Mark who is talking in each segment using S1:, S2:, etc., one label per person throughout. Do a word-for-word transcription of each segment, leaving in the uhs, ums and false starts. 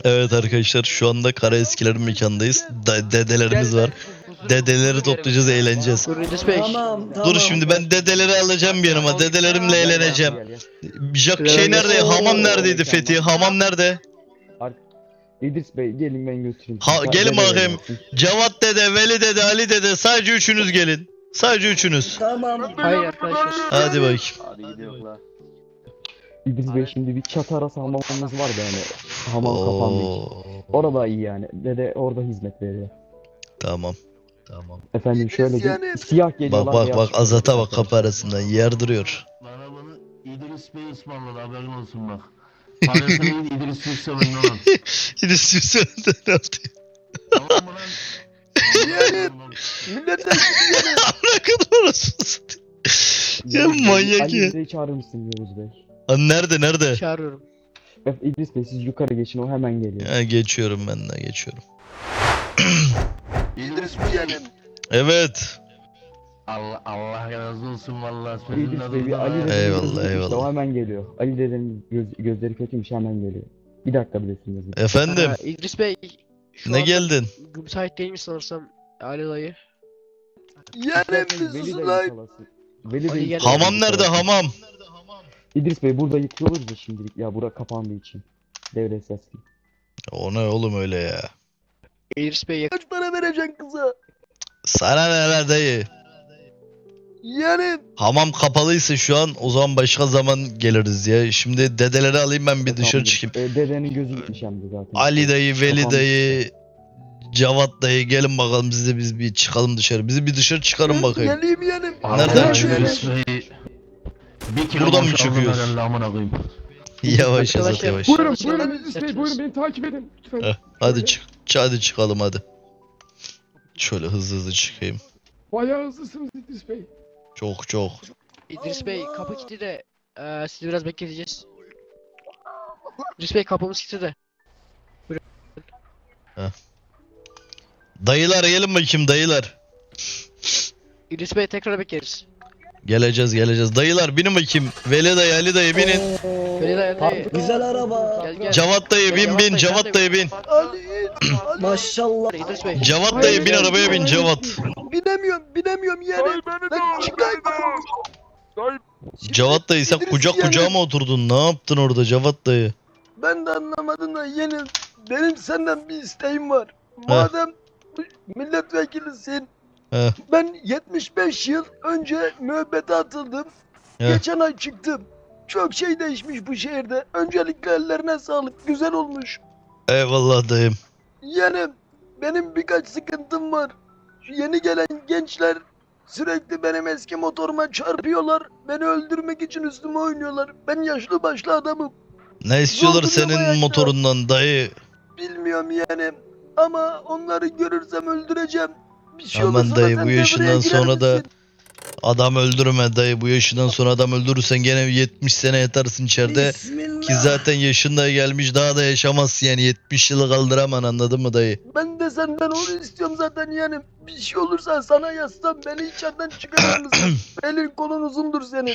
S1: Evet arkadaşlar, şu anda Karaeskilerin mekandayız. Da dedelerimiz var. Dedeleri toplayacağız, eğleneceğiz.
S2: Tamam, tamam.
S1: Dur şimdi ben dedeleri alacağım bir yanıma. Dedelerimle eğleneceğim. Jack şey nerede? Hamam neredeydi Fethi? Hamam nerede?
S3: İdris Bey gelin ben götüreyim.
S1: Ha, gelin bakayım. Cevat dede, Veli dede, Ali dede, sadece üçünüz gelin. Sadece üçünüz.
S2: Tamam.
S4: Hayır arkadaşlar.
S1: Hadi bakayım.
S3: Hadi gidiyorlar. İdris Bey şimdi bir çatı arası hamamımız var da yani. Hamam kapandı.
S1: Oo,
S3: Orada iyi yani. Dede orada hizmet veriyor.
S1: tamam. Tamam.
S3: Efendim şöyle bir siyah geliyorlar.
S1: Bak bak
S3: beyaz
S1: bak
S3: çıkıyor.
S1: Azat'a bak, kapı arasından yer duruyor.
S5: Bana bunu İdris Bey ısmarladı, haberin olsun bak. Parasını iyi İdris Bey sömürün oğlum.
S1: İdris Hüseyin ne yaptı?
S5: Tamam mı lan?
S2: Yani milletten
S1: Ne kadar orası. Ya
S3: Yavuz Bey,
S1: manyak
S3: Ali
S1: ya.
S3: İdris'i çağırır mısın Yavuz Bey?
S1: Ha, nerede nerede?
S4: Çağırıyorum.
S3: Ef- İdris Bey siz yukarı geçin o hemen geliyor.
S1: Ha, geçiyorum ben de geçiyorum.
S5: İdris Bey yani.
S1: Evet.
S5: Allah Allah razı olsun vallahi.
S3: İdris Bey bir Ali dedenin
S1: Eyvallah,
S3: gözü kötüymüş de
S1: eyvallah.
S3: o hemen geliyor. Ali dedenin göz, gözleri kötüymüş hemen geliyor. Bir dakika bilesiniz.
S1: Efendim.
S4: Aa, İdris Bey. Şu
S1: Ne
S4: anda
S1: geldin?
S4: müsait değil mi sanırsam Ali dayı?
S2: yani bir susun lan.
S3: Veli
S4: Ali
S3: Bey
S4: gel.
S1: Hamam nerede hamam?
S3: İdris Bey burada yıkıyoruz da şimdilik ya bura kapandığı için. Devre esaslı.
S1: O ne oğlum öyle ya?
S4: İdris Bey yakın.
S2: Kaç para vereceksin kıza?
S1: Sana ne lan dayı?
S2: Yani
S1: Hamam kapalıysa şu an, o zaman başka zaman geliriz ya. Şimdi dedeleri alayım ben bir dışarı
S3: Tamamdır.
S1: çıkayım.
S3: E, dedenin gözü gitmiş hem de zaten.
S1: Ali dayı, Veli
S3: Kapanmış.
S1: dayı, Cevat dayı gelin bakalım, siz de biz bir çıkalım dışarı. Bizi bir dışarı çıkarın bakayım.
S2: geleyim yani.
S1: Nereden
S5: Allah
S1: çıkıyoruz?
S5: İdris Bey. Bir kilo
S1: Buradan mı
S5: boşaltın
S1: çıkıyoruz?
S5: herhalde, amına koyayım.
S1: Yavaş Azat
S4: Arkadaşlar,
S1: yavaş.
S4: buyurun.
S6: Buyurun buyurun İdris Bey buyurun beni takip edin lütfen.
S1: Heh, hadi çık. ç- Hadi çıkalım hadi. Şöyle hızlı hızlı çıkayım.
S6: Bayağı hızlısınız İdris Bey.
S1: Çok çok.
S4: İdris Bey kapı kilitli de eee sizi biraz bekleteceğiz. İdris Bey kapımız kilitli de.
S1: Dayılar gelin bakayım dayılar.
S4: İdris Bey tekrar bekleriz.
S1: Geleceğiz geleceğiz. Dayılar binin bakayım. Veli dayı, Ali dayı binin.
S4: Veli dayı dayı.
S2: Güzel araba.
S4: Gel gel.
S1: Cevat dayı bin bin. Cevat dayı bin.
S2: Ali, Ali. Maşallah.
S4: İdris Bey.
S1: Cevat dayı bin, arabaya bin Cevat.
S2: Binemiyorum, binemiyorum yani. Ben çıkayım.
S1: Cevat dayı sen
S2: İdris
S1: kucak
S2: yani-
S1: kucağa mı oturdun? Ne yaptın orada Cevat dayı?
S2: Ben de anlamadım da yeni. Benim senden bir isteğim var. Madem milletvekilisin.
S1: Heh.
S2: Ben yetmiş beş yıl önce müebbete atıldım.
S1: Heh.
S2: Geçen ay çıktım. Çok şey değişmiş bu şehirde. Öncelikle ellerine sağlık. Güzel olmuş.
S1: Eyvallah dayım.
S2: Yani benim birkaç sıkıntım var. Şu yeni gelen gençler sürekli benim eski motoruma çarpıyorlar. Beni öldürmek için üstüme oynuyorlar. Ben yaşlı başlı adamım.
S1: Ne istiyorlar
S2: Zor duruyor bu
S1: senin
S2: hayatta.
S1: motorundan dayı?
S2: Bilmiyorum yani. Ama onları görürsem öldüreceğim. Bir şey
S1: Aman
S2: olursa
S1: dayı,
S2: da sen
S1: bu
S2: devreye
S1: yaşından
S2: girer
S1: sonra da-
S2: misin?
S1: Adam öldürme dayı. Bu yaşından sonra adam öldürürsen gene yetmiş sene yatarsın içeride.
S2: Bismillah.
S1: Ki zaten yaşında gelmiş, daha da yaşamazsın yani. yetmiş yılı kaldıraman, anladın mı dayı?
S2: Ben de senden onu istiyorum zaten yani. Bir şey olursa sana yazsam beni içeriden çıkarır mısın? Elin kolun uzundur senin.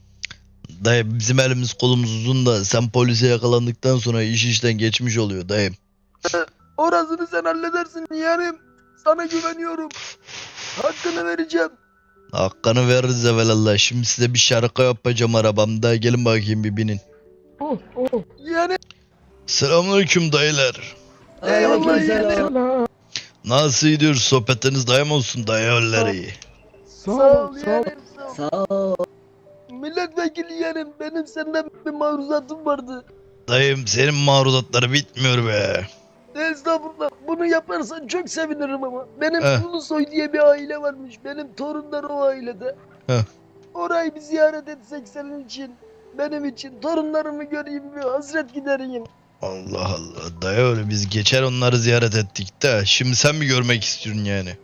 S1: Dayı bizim elimiz kolumuz uzun da sen polise yakalandıktan sonra iş işten geçmiş oluyor dayım.
S2: Orasını sen halledersin yani. Sana güveniyorum. Hakkını vereceğim.
S1: Hakkını veririz evvelallah. Şimdi size bir şarkı yapacağım arabamda. Gelin bakayım bir binin.
S6: Oh oh.
S2: Yani
S1: Selamünaleyküm dayılar.
S2: eyvallah yani.
S6: Selam.
S1: Nasıl gidiyor sohbetiniz, dayım olsun dayıları?
S6: Sağ
S2: Sağ
S6: ol
S2: ol
S6: sağ ol.
S2: yani. Sağ ol. Milletvekili yani benim senden bir maruzatım vardı.
S1: Dayım senin maruzatları bitmiyor be.
S2: Estağfurullah. Bunu yaparsan çok sevinirim ama. Benim
S1: Heh.
S2: Ulusoy diye bir aile varmış. Benim torunlar o ailede.
S1: Heh.
S2: Orayı bir ziyaret etsek senin için. Benim için. Torunlarımı göreyim bir hasret gidereyim.
S1: Allah Allah dayı, öyle biz geçer onları ziyaret ettik de. Şimdi sen mi görmek istiyorsun yani?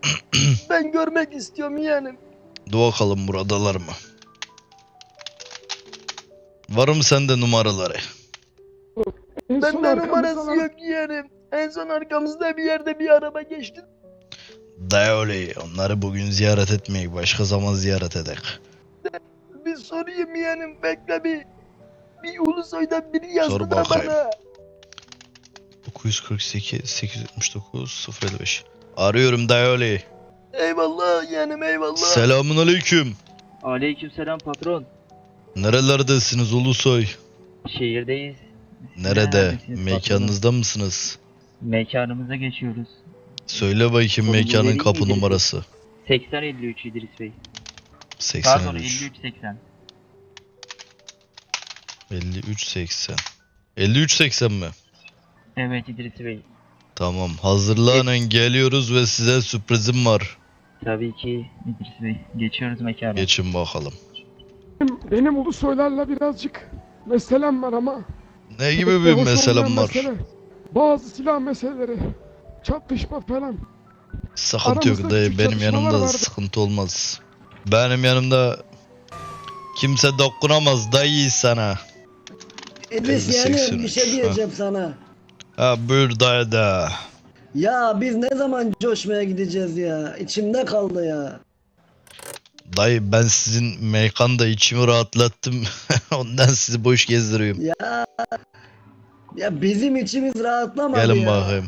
S2: Ben görmek istiyorum yani.
S1: Dur bakalım buradalar mı? Var mı sende numaraları?
S6: En son
S2: Bende
S6: arkamızdan
S2: numarası
S6: al-
S2: yok yani. En son arkamızda bir yerde bir araba geçti.
S1: Dayı öyle, onları bugün ziyaret etmeyi başka zaman ziyaret edek.
S2: Bir sorayım yani. Bekle bir. Bir Ulusoy'dan biri yazdı
S1: Sor
S2: da
S1: bakayım.
S2: bana.
S1: dokuz yüz kırk sekiz sekiz yüz yetmiş dokuz sıfır elli beş. Arıyorum Dayoli.
S2: Eyvallah yeğenim eyvallah.
S1: Selamun aleyküm.
S7: Aleykümselam patron.
S1: Nerelerdesiniz Ulusoy?
S7: Şehirdeyiz.
S1: Nerede?
S7: Neredesiniz
S1: Mekanınızda mısınız?
S7: patron? Mekanımıza geçiyoruz.
S1: Söyle bakayım
S7: Konumu
S1: mekanın
S7: vereyim
S1: kapı
S7: mi?
S1: numarası.
S7: seksen elli üç İdris Bey.
S1: seksen
S7: Pardon
S1: üç.
S7: elli üç seksen.
S1: elli üç seksen. elli üç seksen mi?
S7: Evet İdris Bey.
S1: Tamam. Hazırlanın geliyoruz ve size sürprizim var.
S7: Tabii ki İdris Bey. Geçiyoruz mekana.
S1: Geçin bakalım.
S6: Benim, benim Ulusoylarla birazcık meselem var ama.
S1: Ne gibi
S6: pek de
S1: bir
S6: hoş
S1: meselem
S6: olmayan
S1: var?
S6: mesele. Bazı silah meseleleri. Çatışma falan.
S1: Sıkıntı yok
S6: Aramızda
S1: dayı.
S6: küçük
S1: Benim
S6: çatışmalar
S1: yanımda
S6: vardı.
S1: sıkıntı olmaz. Benim yanımda kimse dokunamaz dayı sana.
S8: İdris
S1: elli
S8: yani
S1: seksen
S8: bir
S1: üç,
S8: şey diyeceğim sana.
S1: Ha buyur dayı da.
S8: Ya biz ne zaman coşmaya gideceğiz ya? İçimde kaldı ya.
S1: Dayı ben sizin mekanda içimi rahatlattım. Ondan sizi boş gezdiriyorum.
S8: Ya ya bizim içimiz rahatlamadı
S1: Gelin
S8: ya.
S1: bakayım.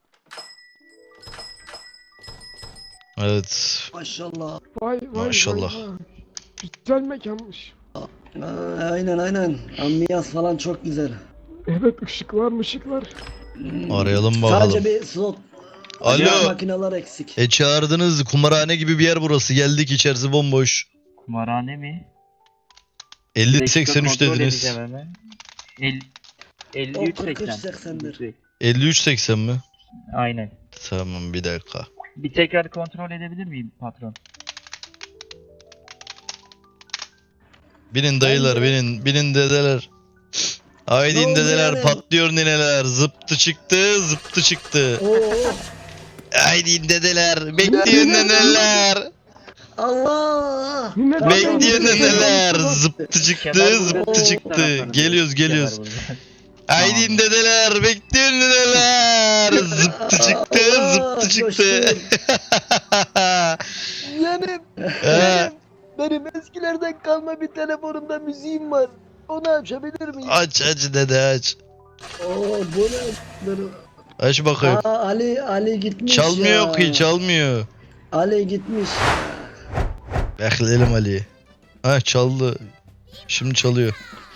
S1: Evet.
S8: Maşallah.
S6: Vay vay
S1: Maşallah.
S6: vay vay. Güzel mekanmış.
S8: Aa, aynen aynen. Ambiyans falan çok güzel.
S6: Evet ışıklar mışıklar.
S8: Hmm,
S1: Arayalım bakalım.
S8: Sadece bir slot.
S1: Alo.
S8: Acayip makineler eksik.
S1: E çağırdınız kumarhane gibi bir yer burası. Geldik içerisi bomboş.
S7: Kumarhane mi?
S1: elli
S7: Dakika
S1: seksen üç
S7: kontrol
S1: dediniz.
S7: edeceğim hemen. El- elli üç
S8: O kırk üç
S7: seksen.
S8: seksendir.
S7: İdris Bey.
S1: elli üç seksen mi?
S7: Aynen.
S1: Tamam bir dakika.
S7: Bir tekrar kontrol edebilir miyim patron?
S1: Binin dayılar
S8: Bence-
S1: binin. Binin dedeler. Haydi
S8: Ne
S1: in
S8: oldu
S1: dedeler
S8: yani?
S1: patlıyor nineler. Zıptı çıktı zıptı çıktı.
S8: Oo,
S1: Haydi in dedeler. Bekleyin
S6: Ne-
S1: neneler.
S8: Allah!
S6: Yine de-
S1: Bekleyin
S8: Kemal
S1: neneler.
S6: burada.
S1: Zıptı çıktı
S7: Kemal burada
S1: zıptı
S7: değil,
S1: çıktı.
S7: taraftarım.
S1: Geliyoruz geliyoruz.
S7: Kemal burada.
S1: Haydi in dedeler. Bekleyin neneler. Zıptı çıktı
S8: Allah,
S1: zıptı çıktı.
S2: Yeğenim
S1: He,
S2: benim eskilerden kalma bir telefonumda müziğim var. Onu açabilir miyim?
S1: aç aç dede aç.
S8: Oo, bu ne? Dur.
S1: Aç bakayım.
S8: Aa, Ali Ali gitmiş
S1: Çalmıyor
S8: ya.
S1: ki çalmıyor.
S8: Ali gitmiş.
S1: Bekleyelim Ali'yi. Ha çaldı. Şimdi çalıyor.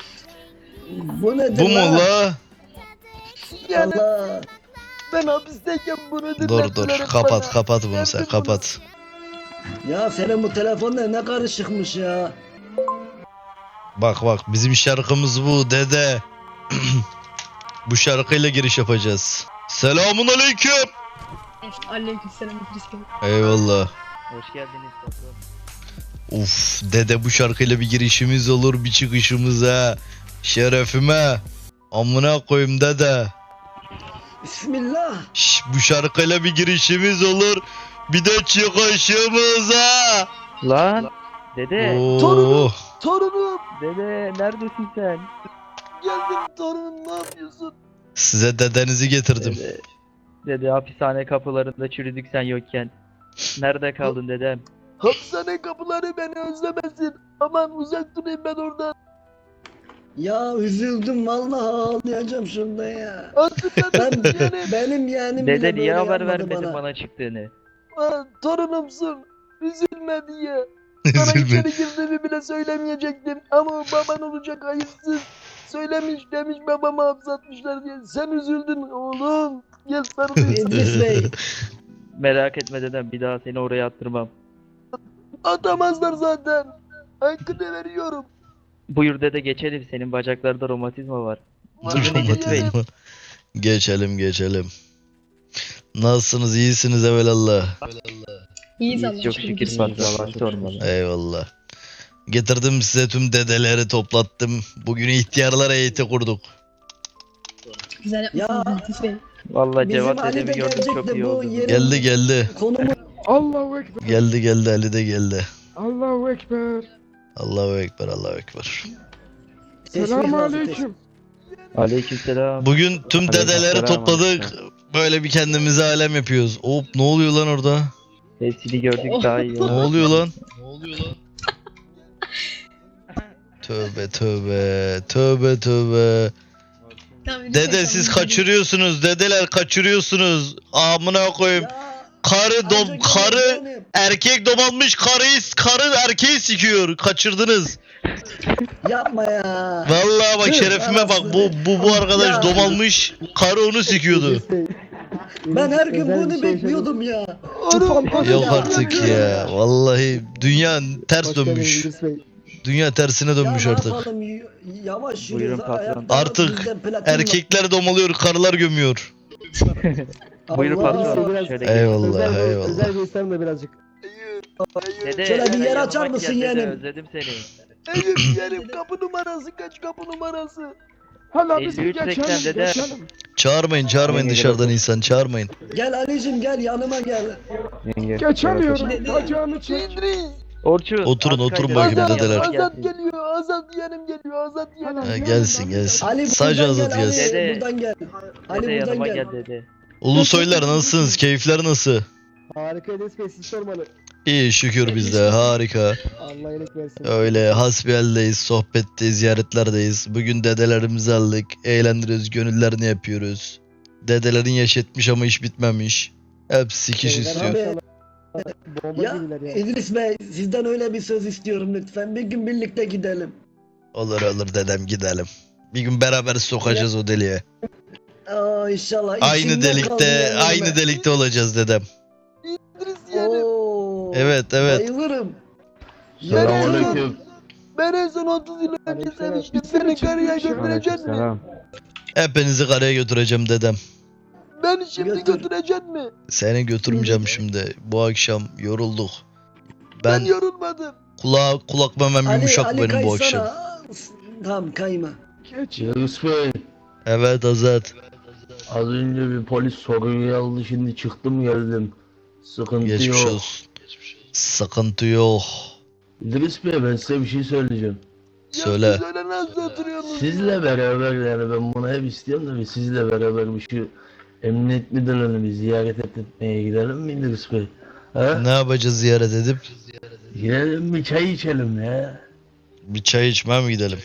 S8: Bu nedir
S1: Bu mu
S8: lan?
S1: la?
S2: Yani
S8: Allah.
S2: ben hapisteyken bunu dinlettiler.
S1: Dur dur
S2: hep
S1: kapat
S2: bana.
S1: kapat bunu
S2: Ben
S1: sen
S2: de bunu-
S1: kapat.
S8: Ya senin bu telefonda ne karışıkmış ya.
S1: Bak bak bizim şarkımız bu dede. Bu şarkıyla giriş yapacağız. Selamun aleyküm.
S9: Aleykümselam İdris Bey.
S1: Eyvallah.
S7: Hoş geldiniz patron.
S1: Uf dede bu şarkıyla bir girişimiz olur bir çıkışımıza. Şerefime. Amına koyayım dede.
S8: Bismillah.
S1: Şş, bu şarkıyla bir girişimiz olur. Bir de çıkışımıza.
S7: Lan. Dede.
S1: Oo.
S2: Torunum. Torunum.
S7: Dede neredesin sen?
S2: Geldim torunum ne yapıyorsun?
S1: Size dedenizi getirdim.
S7: Dede. Dede hapishane kapılarında çürüdük sen yokken. Nerede kaldın dedem?
S2: Hapishane kapıları beni özlemesin. Aman uzak durayım ben oradan.
S8: Ya üzüldüm vallahi ağlayacağım şunda ya.
S2: Hatırladım
S8: Ben
S2: yeğenim.
S8: benim yeğenim
S7: Dede
S8: bile
S7: niye
S8: böyle
S7: haber
S8: yapmadı
S7: vermedin
S8: bana.
S7: bana. çıktığını?
S2: Aa, torunumsun. Üzülme diye. Sana
S1: Üzülme.
S2: içeri girdiğimi bile söylemeyecektim. Ama o baban olacak hayırsız. Söylemiş demiş babamı hapsatmışlar diye. Sen üzüldün oğlum. Gel sarılayım.
S8: İdris Bey.
S7: Merak etme dedem, bir daha seni oraya attırmam.
S2: Atamazlar zaten. Hakkını veriyorum.
S7: Buyur dede, geçelim, senin bacaklarda romatizma var.
S1: Romatizma. Geçelim geçelim. Nasılsınız iyisiniz evelallah.
S9: İyiyiz
S7: İyiyiz,
S9: Allah'a
S7: çok
S9: şükür.
S7: şükür
S9: İdris
S7: patron,
S9: Bey.
S7: Allah sormalı.
S1: Eyvallah. Getirdim size tüm dedeleri toplattım. Bugün ihtiyarlar heyeti kurduk.
S9: Güzel yapmışsınız
S8: Ya.
S9: İdris Bey.
S7: Vallahi
S8: Bizim
S7: Cevat
S8: Ali de
S7: dedemi gördüm, çok
S8: gelecekti
S7: iyi
S8: bu
S7: oldu.
S8: yerin
S1: Geldi geldi.
S8: konumu.
S6: Allahu Ekber.
S1: Geldi geldi Ali de geldi.
S6: Allahu Ekber.
S1: Allahu Ekber Allahu Ekber.
S6: Selamun
S8: lazım,
S6: aleyküm.
S7: Aleykümselam.
S1: Bugün tüm dedeleri
S7: Aleykümselam,
S1: topladık.
S7: aleykümselam.
S1: Böyle bir kendimize alem yapıyoruz. Hop ne oluyor lan orada?
S7: Hepsini gördük, daha iyi
S1: Ne
S7: oldu.
S1: oluyor lan? Ne oluyor lan? Tövbe tövbe. Tövbe tövbe.
S9: Tamam, İdris Bey,
S1: Dede
S9: tamam,
S1: siz
S9: İdris Bey.
S1: kaçırıyorsunuz. Dedeler kaçırıyorsunuz. Amına koyayım.
S8: Ya
S1: Karı dom
S8: ancak
S1: karı
S8: benim.
S1: erkek domalmış karıyı karı erkeği sikiyor. Kaçırdınız.
S8: Yapma ya.
S1: Vallahi bak
S8: Tüh,
S1: şerefime bak. Bu bu bu arkadaş
S8: Ya.
S1: domalmış. Karı onu sikiyordu.
S8: Ben her gün
S3: Özel bir
S8: bunu
S3: şey
S8: bekliyordum ya.
S2: Oğlum,
S1: Yok
S8: Ya.
S1: artık ya. Vallahi dünya ters dönmüş. Dünya tersine dönmüş
S8: ya ne
S1: artık.
S8: yapalım, y- yavaş
S7: Buyurun
S8: yürüyoruz.
S7: patron.
S8: ayakta
S1: Artık
S8: bizde platin var.
S1: Erkekler domalıyor, karılar gömüyor.
S7: Buyurun
S8: Allah.
S7: patron. Şöyle gelin.
S1: Eyvallah, eyvallah.
S3: Özel bir isterim de birazcık.
S2: Eyüp,
S7: Dede,
S8: Şöyle bir
S7: dede,
S8: yer
S7: yanıma
S8: açar
S7: gel
S8: mısın
S7: dede,
S8: yeğenim?
S7: Özledim seni.
S2: Eyüp yeğenim, kapı numarası kaç, kapı numarası?
S6: Hala biz
S7: elli üç seksen
S6: geçelim
S7: dede.
S6: geçelim.
S1: Çağırmayın, çağırmayın dışarıdan insan, çağırmayın.
S8: Gel Ali'cim gel yanıma gel.
S3: Yenge.
S6: Geçemiyorum.
S9: Dede.
S6: Bacağını çek.
S2: İdris,
S7: Orçun.
S1: Oturun,
S7: az
S1: oturun
S7: kaydı.
S1: bakayım
S2: Azat,
S1: dedeler.
S2: Azat geliyor, Azat yeğenim geliyor, Azat yeğenim.
S6: Hala
S1: Ha,
S6: yanımdan
S1: gelsin,
S6: bir
S1: gelsin.
S8: Ali
S1: Sadece
S8: buradan
S1: Azat
S8: gel, Ali
S1: gelsin.
S7: Dede.
S8: buradan gel. Ali
S7: Dede
S8: buradan
S7: yanıma
S8: gel.
S7: gel dede.
S1: Ulusoylar nasılsınız? Keyifler nasıl?
S3: Harika Enes Bey siz sormalı.
S1: İyi şükür bizde, harika.
S3: Allah iyilik versin.
S1: Öyle hasbihaldeyiz, sohbetteyiz, ziyaretlerdeyiz. Bugün dedelerimizi aldık, eğlendiriyoruz, gönüllerini yapıyoruz. Dedelerin yaş etmiş ama iş bitmemiş. Hepsi sikiş
S3: Şeyler
S1: istiyor.
S3: abi, Bomba
S8: Ya
S3: gibiler ya.
S8: İdris Bey sizden öyle bir söz istiyorum lütfen. Bir gün birlikte gidelim.
S1: Olur olur dedem gidelim. Bir gün beraber sokacağız o deliğe.
S8: Aa inşallah.
S1: Aynı
S8: İçimden kaldı
S1: delikte,
S8: yani
S1: aynı
S8: ben.
S1: delikte olacağız dedem.
S2: İdris yeğenim,
S8: Oo,
S1: Evet, evet.
S8: Bayılırım.
S5: Selamünaleyküm.
S2: ben en son otuz yıl önce
S3: Aleykümselam.
S2: seviştim, seni karıya götürecek mi?
S3: Selam.
S1: Hepinizi karaya götüreceğim dedem.
S2: Ben şimdi
S8: Götür.
S2: götürecek mi?
S1: Seni götürmeyeceğim şimdi. Bu akşam yorulduk.
S2: Ben,
S1: Ben
S2: yorulmadım.
S1: kulak kulak memem
S8: Ali,
S1: yumuşak
S8: Ali
S1: benim bu
S8: kaysana.
S1: akşam.
S8: Tamam kayma.
S6: Geç.
S5: İdris Bey,
S1: Evet Azat.
S5: az önce bir polis soruyu aldı, şimdi çıktım geldim. Sıkıntı
S1: Geçmiş
S5: yok.
S1: olsun. Sıkıntı yok.
S5: İdris Bey, ben size bir şey söyleyeceğim.
S2: Ya
S1: Söyle.
S2: siz öyle nasıl oturuyorsunuz?
S5: Sizle beraber, yani ben bunu hep istiyorum da bir sizle beraber bir şu emniyet müdürlüğünü bir ziyaret etmeye gidelim mi İdris Bey? Ha?
S1: Ne yapacağız ziyaret edip?
S5: Gidelim bir çay içelim ya.
S1: Bir çay içmeye mi gidelim?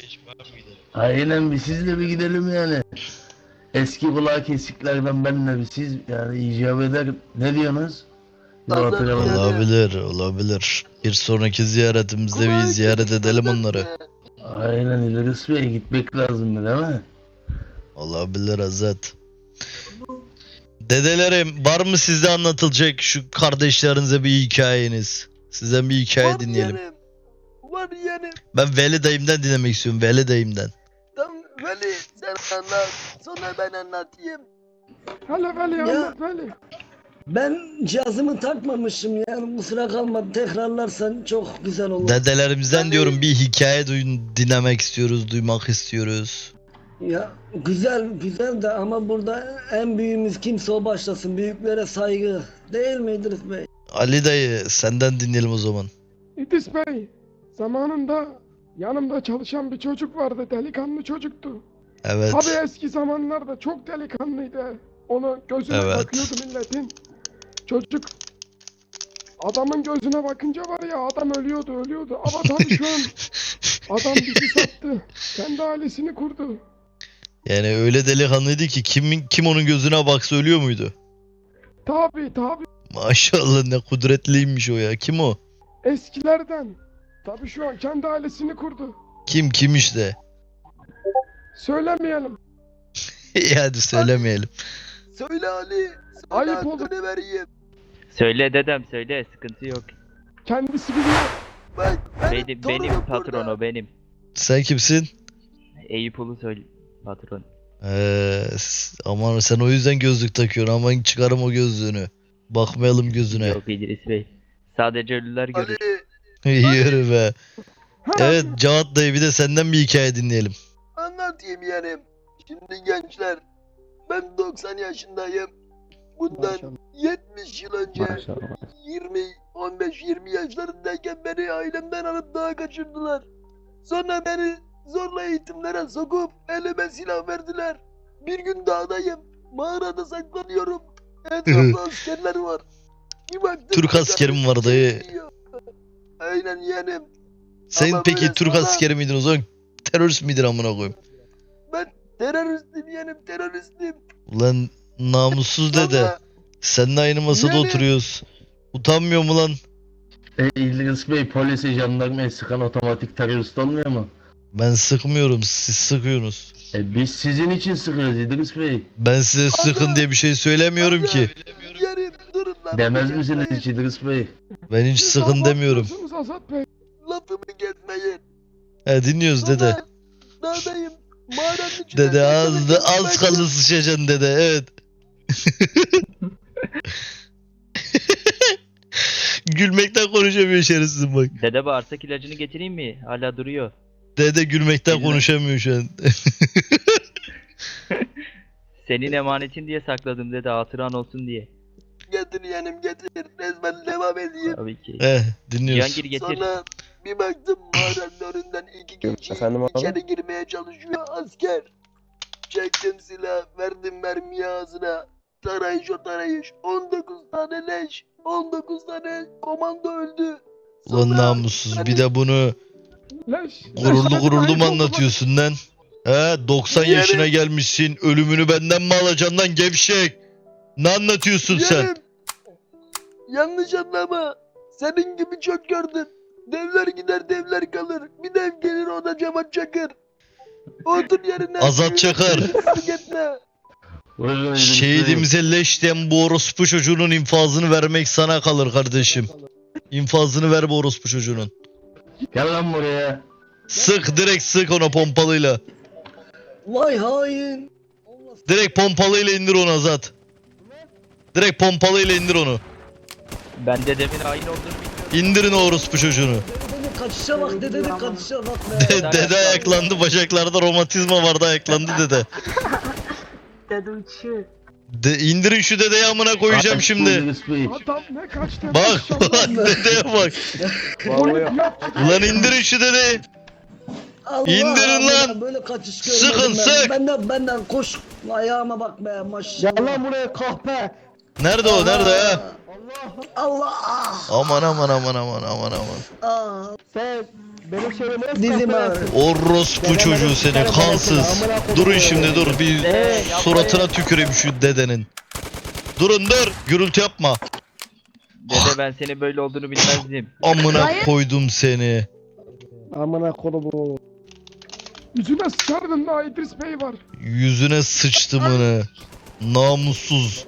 S5: Aynen, bir sizle bir gidelim yani. Eski kulağı kesiklerden benle bir siz yani icap eder. Ne diyorsunuz? Bir
S2: Azat
S5: oturalım.
S2: ya.
S1: Olabilir, olabilir. Bir sonraki ziyaretimizde bir ziyaret edelim onları.
S5: Aynen İdris Bey, gitmek lazım değil mi?
S1: Olabilir Azat. Dedelerim var mı sizde anlatılacak şu kardeşlerinize bir hikayeniz? Sizden bir hikaye
S2: Var
S1: dinleyelim.
S2: yeğenim. Var yeğenim.
S1: Ben Veli dayımdan dinlemek istiyorum. Veli dayımdan.
S2: Tamam Veli sen anlat. Sonra ben anlatayım.
S6: Hala Veli
S8: Ya.
S6: anlat Veli.
S8: Ben cihazımı takmamışım yani kusura kalma, tekrarlarsan çok güzel olur.
S1: Dedelerimizden
S2: Veli.
S1: diyorum bir hikaye duyun, dinlemek istiyoruz, duymak istiyoruz.
S8: Ya güzel güzel de ama burada en büyüğümüz kimse o başlasın. Büyüklere saygı. Değil mi İdris Bey?
S1: Ali dayı senden dinleyelim o zaman.
S6: İdris Bey. Zamanında yanımda çalışan bir çocuk vardı. Delikanlı çocuktu.
S1: Evet.
S6: Tabii eski zamanlarda çok delikanlıydı. Onu gözüne
S1: Evet.
S6: bakıyordu milletin. Çocuk adamın gözüne bakınca var ya adam ölüyordu ölüyordu. Ama tabii şu an adam bizi sattı. Kendi ailesini kurdu.
S1: Yani öyle delikanlıydı ki kimin kim onun gözüne baksa ölüyor muydu?
S6: Tabii tabii
S1: Maşallah ne kudretliymiş o ya. Kim o?
S6: eskilerden. Tabii şu an kendi ailesini kurdu.
S1: Kim kim işte?
S6: Söylemeyelim.
S1: İyi hadi söylemeyelim.
S2: Söyle Ali. Söyle
S6: Ayıp oldu.
S2: hakkını vereyim.
S7: Söyle dedem söyle, sıkıntı yok.
S6: Kendisi biliyor.
S2: Bak benim,
S7: Benim,
S2: torunum
S7: benim patron
S2: burada.
S7: o benim.
S1: Sen kimsin?
S7: Eyüp Ulu söyle patron.
S1: Ee, s- aman sen o yüzden gözlük takıyorsun. Aman çıkarım o gözlüğünü. Bakmayalım gözüne.
S7: Yok İdris Bey. Sadece ölüler görür.
S2: Ali
S1: Yürü be. Evet Cevat dayı bir de senden bir hikaye dinleyelim.
S2: anlatayım yeğenim. Şimdi gençler ben doksan yaşındayım. Bundan
S3: Maşallah.
S2: yetmiş yıl önce
S3: Maşallah.
S2: yirmi on beş yirmi yaşlarındayken beni ailemden alıp dağa kaçırdılar. Sonra beni zorla eğitimlere sokup elime silah verdiler. Bir gün dağdayım. Mağarada saklanıyorum. Etrafta askerler var. Bir baktım
S1: Türk
S2: ki
S1: askeri mi
S2: kardeşim
S1: var dayı?
S2: geliyor. Aynen yeğenim.
S1: Sen
S2: Ama
S1: peki
S2: böyle
S1: Türk
S2: sonra-
S1: askeri miydin o zaman? Terörist miydin amına koyayım?
S2: Ben Teröristim yeğenim teröristim.
S1: Ulan namussuz dede.
S2: Ama
S1: Seninle aynı masada
S2: Yani-
S1: oturuyoruz. Utanmıyor mu lan?
S5: E, İdris Bey polisi jandarmayı sıkan otomatik terörist olmuyor mu?
S1: Ben sıkmıyorum, siz sıkıyorsunuz.
S5: E biz sizin için sıkıyoruz İdris Bey.
S1: Ben size sıkın diye bir şey söylemiyorum
S2: Ama-
S1: ki.
S2: yeğenim durun lan.
S5: Demez
S2: lafımı
S5: misiniz
S2: kesmeyin.
S5: hiç İdris Bey?
S1: Ben hiç
S6: Siz
S1: sıkın demiyorum.
S6: abartıyorsunuz Azat Bey.
S2: Lafımı kesmeyin.
S1: He dinliyoruz dede.
S2: Baba, dağdayım. Mağaranın içinde
S1: Dede az da
S2: saklanacağım.
S1: az kaldı sıçacaksın dede, evet. Gülmekten konuşamıyor şerefsizim bak.
S7: Dede bağırsak ilacını getireyim mi? Hala duruyor.
S1: Dede gülmekten
S7: Bilmem.
S1: konuşamıyor şu an.
S7: Senin emanetin diye sakladım dede, hatıran olsun diye.
S2: Getir yeğenim getir. Resmen devam edeyim.
S7: Tabii ki.
S1: He dinliyoruz.
S7: Cihangir getir.
S2: Sonra bir baktım mağaranın önünden iki kişi
S3: Efendim abi?
S2: içeri girmeye çalışıyor asker. Çektim silah, verdim mermiyi ağzına. Tarayış o tarayış. on dokuz tane leş. on dokuz tane komando öldü.
S1: Ulan
S2: Sonra
S1: namussuz bir de bunu
S6: Leş.
S1: gururlu
S6: leş
S1: gururlu
S6: dedim,
S1: mu
S6: ayıp oldu bak.
S1: anlatıyorsun lan? He doksan
S2: Yani-
S1: yaşına gelmişsin, ölümünü benden mi alacaksın lan gevşek? Ne anlatıyorsun sen?
S2: Yeğenim, yanlış anlama. Senin gibi çok gördüm. Devler gider devler kalır. Bir dev gelir o da Cevat Çakır. Otur yerine.
S1: Azat Çakır.
S2: Fark etme.
S5: Buyurun İdris Bey.
S1: Şehidimize leş diyen bu orospu çocuğunun infazını vermek sana kalır kardeşim. İnfazını ver bu orospu çocuğunun.
S5: Gel lan buraya.
S1: Sık, direkt sık ona pompalıyla.
S8: Vay hain. Allah
S1: Direkt pompalıyla indir onu Azat. Direkt pompalıyla indir onu.
S7: Ben dedemin hain olduğunu bilmiyorum.
S1: İndirin o orospu çocuğunu.
S8: dedenin kaçışa bak dedenin kaçışa bak be.
S1: De- dede ayaklandı, bacaklarda romatizma vardı, ayaklandı dede.
S9: Dede uçuyor.
S1: De indirin şu dedeyi, amına koyacağım
S5: Kaç
S1: şimdi.
S5: İdris Bey.
S6: Adam ne kaçtı?
S1: Bak
S6: maşallah.
S1: ulan dedeye bak.
S3: Vallahi
S1: Ulan indirin şu dedeyi.
S8: Allah
S1: İndirin
S8: Allah,
S1: lan.
S8: böyle kaçış
S1: Sıkın,
S8: görmedim ben.
S1: sık.
S8: Benden benden koş. Ayağıma bak be maşallah.
S3: Gel lan buraya kahpe.
S1: Nerede o, nerede ya?
S8: Allah ah,
S1: Aman aman aman aman aman aman.
S8: ah.
S3: Sen benim şeyime nasıl
S8: Dizim
S3: kahpe
S8: ağrıyor.
S3: yaptın?
S1: Orospu çocuğu seni, kansız. Durun şimdi, dur bir
S7: Ee,
S1: suratına tüküreyim şu dedenin. Durun dur, gürültü yapma.
S7: Dede ben senin böyle olduğunu bilmezdim.
S1: Amına koydum seni.
S3: Amına kodumu.
S6: Yüzüne sıçardın daha İdris Bey var.
S1: Yüzüne sıçtımını. Namussuz,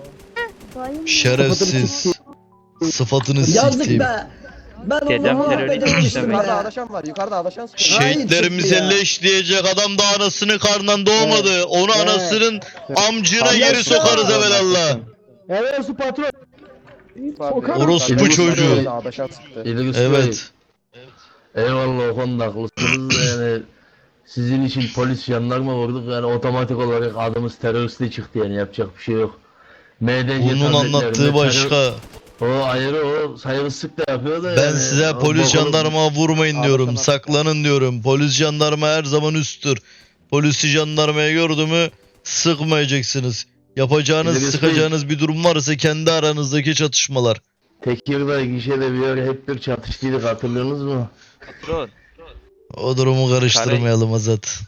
S1: şerefsiz. Sıfatını
S8: Yazık
S1: siktim.
S8: be. Ben o
S7: Dedem
S8: zaman
S7: terörist
S8: becermiştim
S7: demek.
S3: Yukarıda
S8: be.
S3: adaşan var. Yukarıda adaşan sıkıyor.
S1: Şehitlerimize
S8: Hain çıktı ya.
S1: leş diyecek adam da anasının karnından doğmadı. Onu
S3: Evet.
S1: anasının amcına
S8: Allah
S1: geri
S8: aşkına.
S1: sokarız evelallah.
S3: Evet su patron.
S6: Sokarım.
S1: Orospu
S5: İdris
S1: çocuğu.
S5: Bey.
S3: Adaşan sıktı.
S5: İdris Bey.
S1: Evet.
S5: Eyvallah o konuda haklısınız da yani sizin için polis jandarma vurduk yani otomatik olarak adımız teröriste çıktı yani yapacak bir şey yok. M D C
S1: Bunun
S5: tabletlerinde
S1: anlattığı
S5: terör-
S1: başka.
S5: O ayrı o saygısızlık da yapıyor da
S1: Ben
S5: yani.
S1: size
S5: O
S1: polis
S5: bakalım.
S1: jandarma vurmayın diyorum.
S3: Adaşan-
S1: Saklanın diyorum. Polis jandarma her zaman üsttür. Polisi jandarmaya gördü mü sıkmayacaksınız. Yapacağınız,
S5: İdris
S1: sıkacağınız bir durum varsa kendi aranızdaki çatışmalar.
S5: Tekirdağ gişede bir ara hep bir çatıştıydık hatırlıyorsunuz mu?
S7: Patron.
S1: O durumu karıştırmayalım Azat.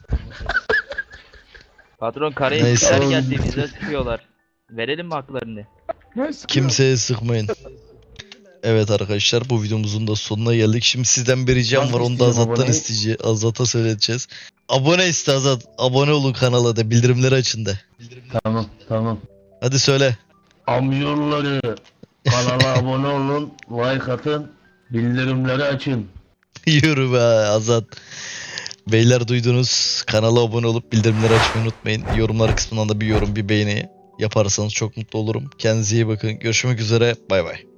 S7: Patron karaya
S1: Neyse.
S7: işler geldi, bize sıkıyorlar. Verelim mi haklarını?
S6: Ne sıkıyor?
S1: Kimseye sıkmayın. Evet arkadaşlar, bu videomuzun da sonuna geldik. Şimdi sizden bir ricam
S5: Nasıl
S1: var, onu da
S5: isteyeceğim
S1: Azat'tan
S5: aboneyi?
S1: isteyeceğiz. Azat'a söyleteceğiz. Abone iste Azat. Abone olun kanala da, bildirimleri açın da.
S5: Tamam tamam.
S1: Hadi söyle.
S5: Amcaoğulları kanala abone olun, like atın, bildirimleri açın.
S1: Yürü be Azat. Beyler duydunuz. Kanala abone olup bildirimleri açmayı unutmayın. Yorumlar kısmından da bir yorum, bir beğeni yaparsanız çok mutlu olurum. Kendinize iyi bakın. Görüşmek üzere. Bay bay.